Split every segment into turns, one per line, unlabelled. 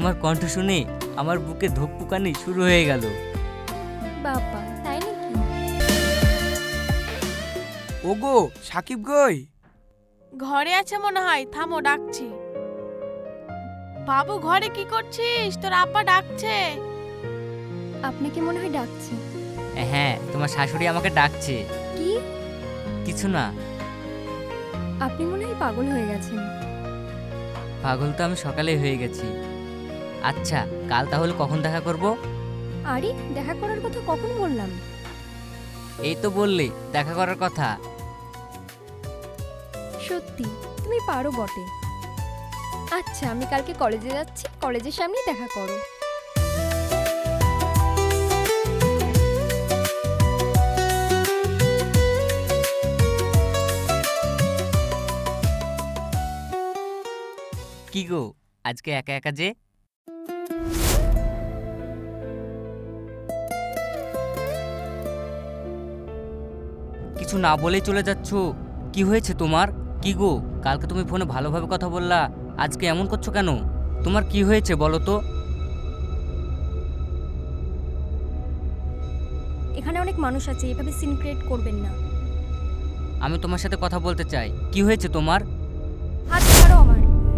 তোমার কণ্ঠ শুনে আমার বুকে ধুকপুকানি শুরু হয়ে গেল।
বাবা, তাই নাকি?
ওগো সাকিব গই।
ঘরে আছে মনে হয়, থামো ডাকছি। বাবু ঘরে কি করছিস? তোর আব্বা ডাকছে।
আপনাকে মনে হয় ডাকছে।
হ্যাঁ, তোমার শাশুড়ি আমাকে ডাকছে।
কি?
কিছু না।
আপনি মনে হয় পাগল হয়ে গেছেন।
পাগল তো আমি সকালেই হয়ে গেছি। আচ্ছা, কাল তাহলে কখন দেখা করব?
আরে, দেখা করার কথা কখন বললাম?
এই তো বললে দেখা করার কথা।
সত্যি তুমি পারো বটে। আচ্ছা, আমি কালকে কলেজে যাচ্ছি, কলেজের সামনেই দেখা করো।
কি গো, আজকে একা একা যে? কিছু না বলেই চলে যাচ্ছ। কি হয়েছে তোমার? কি গো, কালকে তুমি ফোনে ভালোভাবে কথা বললা, আজকে এমন করছো কেন? তোমার কি হয়েছে বলো তো?
এখানে অনেক মানুষ আছে, এভাবে সিন ক্রিয়েট করবেন না।
আমি তোমার সাথে কথা বলতে চাই। কি হয়েছে তোমার?
হাত ছাড়ো আমার।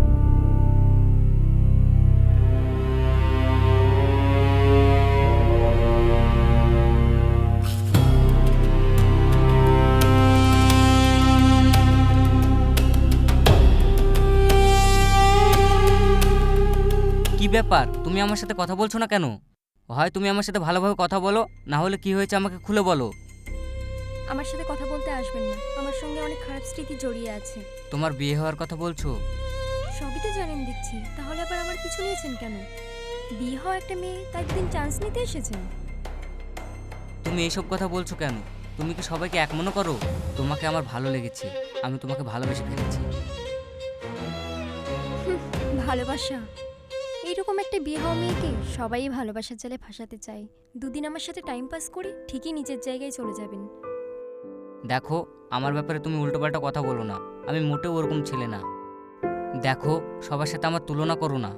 কি ব্যাপার, তুমি আমার সাথে কথা বলছো না কেন? হয় তুমি আমার সাথে ভালোভাবে কথা বলো, না হলে কি হয়েছে আমাকে খুলে বলো।
আমার সাথে কথা বলতে আসবেন না, আমার সঙ্গে অনেক খারাপ স্মৃতি জড়িয়ে আছে।
তোমার বিয়ে হওয়ার কথা বলছো?
সবই তো জানেন দেখছি, তাহলে আবার আমার পিছু নিয়েছেন কেন? বিয়ে হওয়া একটা মেয়ে, তাই দিন চান্স নিতে এসেছেন?
তুমি এইসব কথা বলছো কেন? তুমি কি সবাইকে এক মনে করো? তোমাকে আমার ভালো লেগেছে, আমি তোমাকে ভালোবেসে ফেলেছি।
ভালোবাসা? এইরকম একটা বিয়ে হওয়া মেয়েকে সবাই ভালোবাসার জালে ফাঁসাতে চায়। দুদিন আমার সাথে টাইম পাস করে ঠিকই নিজের জায়গায় চলে যাবেন।
দেখো, আমার ব্যাপারে তুমি উল্টোপাল্টা কথা বলো না, আমি মোটেও ওরকম ছেলে না। দেখো, সবার সাথে আমার তুলনা করো না।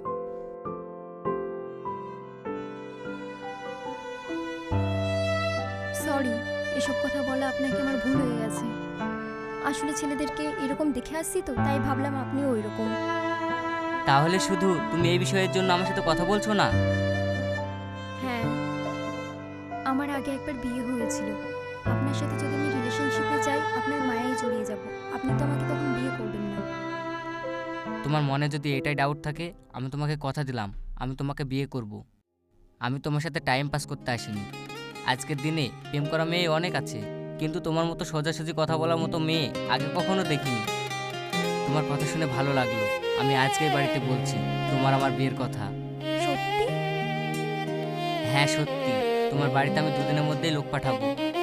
সরি, এসব কথা বলা আপনাকে আমার ভুল হয়ে গেছে। আসলে ছেলেদেরকে এরকম দেখে আসছি তো, তাই ভাবলাম আপনিও ওই রকম।
তাহলে শুধু তুমি এই বিষয়ের জন্য আমার সাথে কথা বলছো না?
হ্যাঁ, আমার আগে একবার বিয়ে হয়েছিল। আপনার সাথে যদি আমি রিলেশনশিপে যাই, আপনার মায়ায় জড়িয়ে যাব। আপনি তো আমাকে তখন বিয়ে করবেন না।
তোমার মনে যদি এটাই ডাউট থাকে, আমি তোমাকে কথা দিলাম, আমি তোমাকে বিয়ে করব। আমি তোমার সাথে টাইম পাস করতে আসিনি। আজকের দিনে প্রেম করা মেয়ে অনেক আছে, কিন্তু তোমার মতো সোজাসুজি কথা বলার মতো মেয়ে আগে কখনো দেখিনি। তোমার কথা শুনে ভালো লাগলো। আমি আজকেই বাড়িতে বলছি তোমার আমার বিয়ের কথা।
সত্যি?
হ্যাঁ সত্যি, তোমার বাড়িতে আমি দুদিনের মধ্যেই লোক পাঠাবো।